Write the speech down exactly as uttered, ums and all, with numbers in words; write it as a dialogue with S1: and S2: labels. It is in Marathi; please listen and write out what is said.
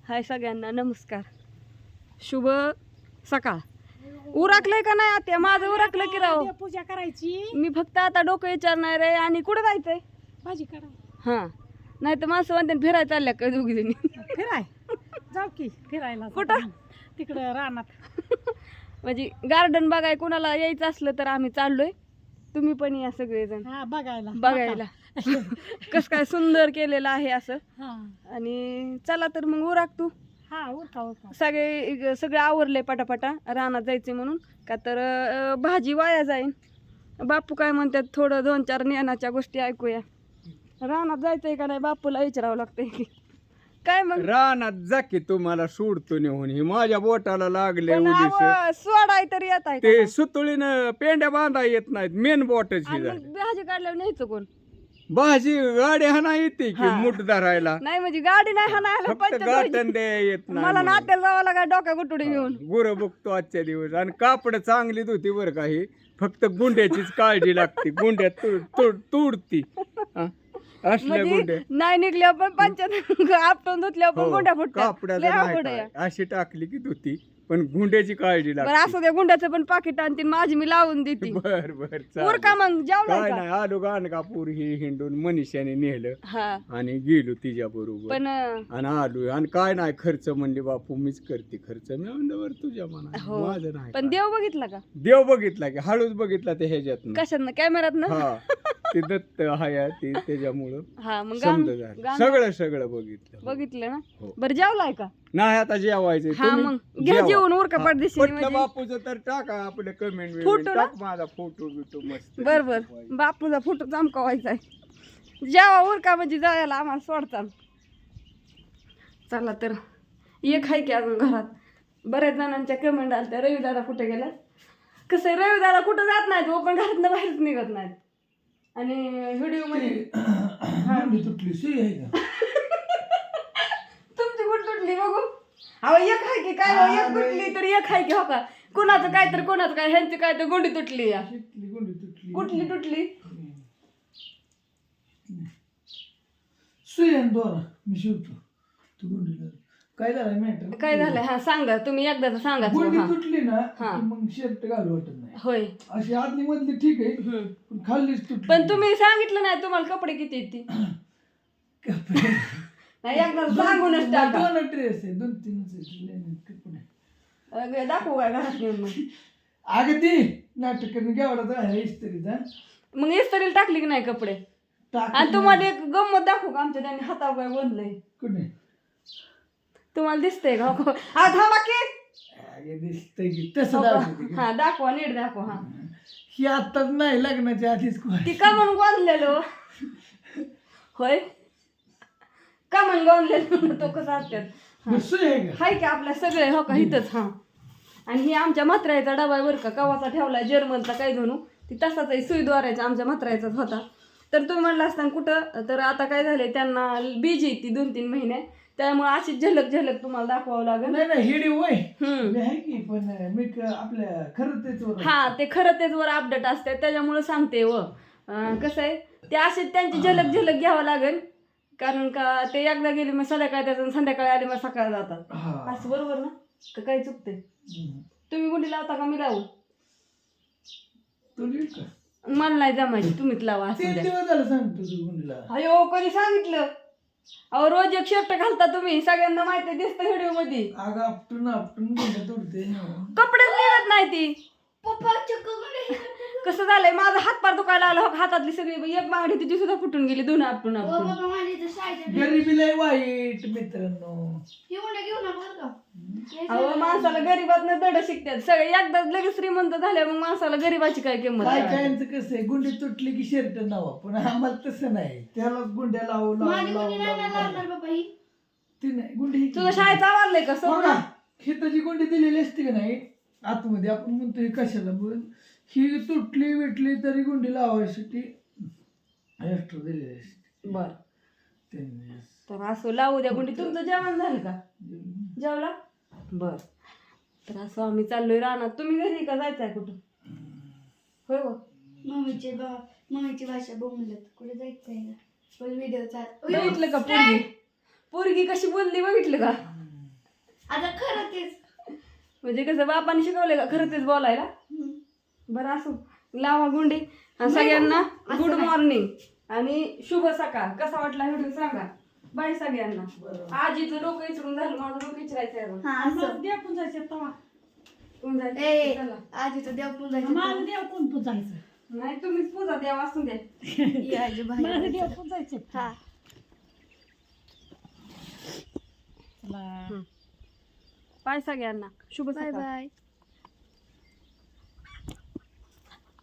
S1: हाय सगळ्यांना नमस्कार, शुभ सकाळ. उरकलंय का नाही आता? माझं उरकलं की राव.
S2: पूजा करायची.
S1: मी फक्त आता डोकं विचारणार आहे. आणि कुठं जायचंय?
S2: भाजी करा.
S1: हा, नाही तर माणसं म्हणते फिरायला चालल्या का दोघी जणी?
S2: फिराय जाऊ की फिरायला.
S1: कुठं?
S2: तिकडं रानात.
S1: म्हणजे गार्डन बघाय कोणाला यायचं असलं तर आम्ही चाललोय. तुम्ही पण या सगळेजण
S2: हा बघायला
S1: बघायला. कस काय सुंदर केलेलं आहे असं.
S2: हा
S1: आणि चला तर मग उरक तू.
S2: हा उरका उरका.
S1: सगळे सगळे आवरले पटापटा रानात जायचे म्हणून. का तर अं, भाजी वाया जाईन. बापू काय म्हणतात, थोडं दोन चार ज्ञानाच्या गोष्टी ऐकूया. रानात जायचंय का नाही बापूला विचारावं लागतंय की काय. मग
S3: रानात जा की, तुम्हाला सोडतो नेऊन. ही माझ्या बोटाला लागले
S1: पण
S3: उडीस.
S1: अहो, सोडाय तरी येत आहे
S3: ते
S1: का?
S3: सुतळीनं पेंड्या बांधा येत नाहीत, मेन बोटच ही
S1: आणि
S3: झाली.
S1: मग भाजी काढल्यावर न्यायचं कोण?
S3: भाजी गाडी हाना येते की
S1: हा.
S3: मुठ धरायला,
S1: नाही म्हणजे गाडी नाही हाणायला
S3: फक्त
S1: पंचायत
S3: गाठण
S1: व्हायची.
S3: द्या येत
S1: मला
S3: नाही.
S1: नात्याला जावं लागा डोक्या गुटुडी घेऊन.
S3: गुरं बघतो आजच्या दिवस. आणि कापड चांगलीच होती बरं काही, फक्त गुंड्याचीच काळजी लागते. गुंड्या तुड तुड तुडती हा. असल्या
S1: म्हणजे
S3: गुंड्या
S1: नाही निघल्या पण पंचायत आपटून धुतल्यावर पण
S3: हो,
S1: गुंड्या फुटतात.
S3: कापडाचं
S1: लय
S3: नाही
S1: अवघड आहे.
S3: काय. अशी टाकली की धुती, पण गुंड्याची काळजी
S1: बरं
S3: लागते.
S1: असं त्या गुंड्याचं पण पाकिट आणतील, माझी मी लावून देते.
S3: बर बर
S1: उर का मग जेवलाय
S3: काय
S1: का?
S3: नाही, आलो गाणगापूर ही हिंडून मनीषाने नेलं
S1: हा
S3: आणि गेलो तिच्या बरोबर.
S1: पण अं,
S3: आणि आलो. आणि काय नाही खर्च म्हणले बापू मीच करते खर्च. मी म्हणलं बरं तुझ्या मना,
S1: हो.
S3: माझं नाही
S1: पण
S3: काय.
S1: देव बघितला का?
S3: देव बघितला की हळूच बघितला ते ह्याच्यात.
S1: कशात कॅमेरात ना?
S3: हा ते दत्त हाय ते त्याच्यामुळं
S1: हा मग गाण-
S3: समजा झालं.
S1: गाण-
S3: सगळं सगळं बघितलं.
S1: बघितलं ना.
S3: हो.
S1: बरं जेवलाय का?
S3: नाही आता जेवायचं.
S1: हा मग घ्या जेवून उरका पडदेशी.
S3: पटलं बापूचं तर टाका आपलं कमेंट.
S1: फोटो ना?
S3: टाक माझा फोटो बिटो मस्त.
S1: बर बर बापूचा फोटो चमकावायचा आहे. जेवा उरका म्हणजे जायला आम्हाला सोडता. चला तर एक आहे की अजून घरात. बऱ्याच जणांच्या कमेंट आल्या, रवी दादा कुठे गेला. कसं आहे, रवी दादा कुठं जात नाहीत वो, पण घरातनं बाहेरच निघत नाहीत. आणि व्हिडिओ मध्ये
S4: तुटली सुई आहे का?
S1: तुमची कुठं तुटली बघू. अहो एक आहे की काय हो, एक तुटली तर एक आहे की हो का. कोणाचं काय तर कोणाचं काय, ह्यांची काय तर गोंडी तुटली या.
S4: तुटली गुंडी तुटली.
S1: कुठली तुटली?
S4: सुई आणि दोरा मी शिवतो. तू गुंडीला काय झालं मॅटर?
S1: काय झालं हा सांगा तुम्ही एकदा सांगा.
S4: गुंडी
S1: हा
S4: तुटली ना
S1: हा.
S4: की मग शर्ट घालू वाटत नाही.
S1: होय.
S4: अशी आतली मधली ठीक आहे,
S1: हम्म.
S4: पण खाल्लीच तुटली.
S1: पण तुम्ही सांगितलं नाही तुम्हाला कपडे किती आहेत ती.
S4: कपडे
S1: नाही एकदा सांगूनच टाका.
S4: दोन ड्रेस आहे, दोन तीनच आहे, लय नाहीत कपडे.
S1: अगं, दाखवू काय घरात नेऊन मग.
S4: अगं ती नाटक केवढा आहे इस्त्रीचा.
S1: मग इस्त्रीला टाकली की नाही कपडे.
S4: टाक
S1: आणि तुम्हाला एक गंमत दाखवू का, आमच्या त्यांनी हातावर काय बोललंय
S4: कुठे
S1: तुम्हाला दिसतंय का? हो, हा थांबा की.
S4: अगं दिसतंय की तसं
S1: हो का?
S4: दाखवते की.
S1: हा दाखवा, नीट दाखवा. हा
S4: ही आत्ताच नाही, लग्नाच्या आधीच कोण.
S1: ती का म्हणून गोंधलेलो होय, का म्हणून गोंधलेलो तो कसा असतात.
S4: सुई आहे का?
S1: हाय की आपल्या सगळे हो का इथंच. हा आणि ही आमच्या म्हाताऱ्याचा डबा आहे बरं का, कवाचा ठेवलाय जर्मनचा काय जणू. ती तसाच आहे, सुई द्वारायचा आमच्या म्हाताऱ्याचाच होता. तर तुम्ही म्हणलं असताना कुठं, तर आता काय झालंय त्यांना बीज येते दोन तीन महिने, त्यामुळे अशी झलक झलक तुम्हाला दाखवावं लागेल.
S4: नाही नाही हिडी वय
S1: हम्म.
S4: मी आहे की, पण मी क- आपल्या खरं तेच वर आहे.
S1: हा ते खरं तेच वर अपडेट असते त्याच्यामुळे सांगते. व अं, कसं आहे ते असे त्यांची झलक झलक घ्यावं लागेल. कारण का ते एकदा गेले मग संध्याकाळी त्याचं, संध्याकाळी आले मग सकाळी जातात.
S4: हा.
S1: असं बरोबर ना का काही चुकते?
S4: हम्म.
S1: तुम्ही गुंडी लावता का मी लावू?
S4: तू लिहिल का?
S1: मला नाही जमायची, तुम्हीच लावा असं
S4: तीन
S1: द्या.
S4: दिवस झालं सांगतो तू गुंडीला.
S1: अयो कधी सांगितलं? अहो रोज एक शर्ट घालता तुम्ही, सगळ्यांना माहिती दिसतं व्हिडिओ मध्ये.
S4: अगं आपटून आपटून गुंड तोडते.
S1: कपडेच निघत नाही ती. कसं झालंय माझा हात पार दुखायला लागला हो, हातातली सगळी एक बांगडी तिची सुद्धा फुटून गेली दोन आपटून आपटून.
S4: गरिबी लय वाईट मित्रांनो.
S1: अहो माणसाला गरीबात दड शिकतात सगळे, एकदा लगेच श्रीमंत झाल्या मग माणसाला गरीबाची काय किंमत
S4: काय
S1: कळायची?
S4: कायचं कसं आहे, गुंडी तुटली की शर्ट नावा, पण आम्हाला तसं नाही. त्यालाच गुंड्या लावू लावू लावू लावू. ती नाही गुंडी ही
S1: तुझं शाळेत आवडलंय का
S4: बघा,
S1: सोडा?
S4: खिताची गुंडी दिलेली असते का नाही आतमध्ये, आपण म्हणतो हे कशाला, पण ही तुटली विटली तरी गुंडी लावायसाठी एक्स्ट्रा दिलेली असते
S1: बर
S4: त्यांनी.
S1: तर असं लावू द्या गुंडी. तुमचं जेवण झालं का? जेवला? बर. तर असं आम्ही चाललोय रानात. तुम्ही घरी का जायचंय कुठं? होय हो.
S5: मम्मीचे बा मम्मीची भाषा बोलत कुठे जायचंय का? पण व्हिडिओ चाल
S1: बघितलं का पोरगी? पोरगी कशी बोलली बघितलं का?
S5: आता खरं तेच
S1: म्हणजे कसं बापाने शिकवले का खरं तेच बोलायला.
S5: हम्म.
S1: बरं असो, लावा गुंडी आणि सगळ्यांना गुड मॉर्निंग आणि शुभ सकाळ. कसा वाटला व्हिडिओ सांगा. बाय सगळ्यांना. आजीचं डोकं इचरून झालं, माझं डोकं इचरायचं आहे अजून.
S5: हा
S2: मग
S5: असं
S2: देव पुजायचे तवा
S1: कोण जायचं?
S5: ए
S1: चला.
S5: आजीचं देव पुजायचं
S2: माझं देव कोण पुजायचं?
S1: नाही तुम्हीच पूजा द्या वाचून द्या.
S5: ये आजी
S2: माझं
S5: बाहेर
S2: देव पुजायचे.
S5: हा
S2: चला
S1: बाय सगळ्यांना. शुभ
S5: बाय
S1: सकाळ.
S5: बाय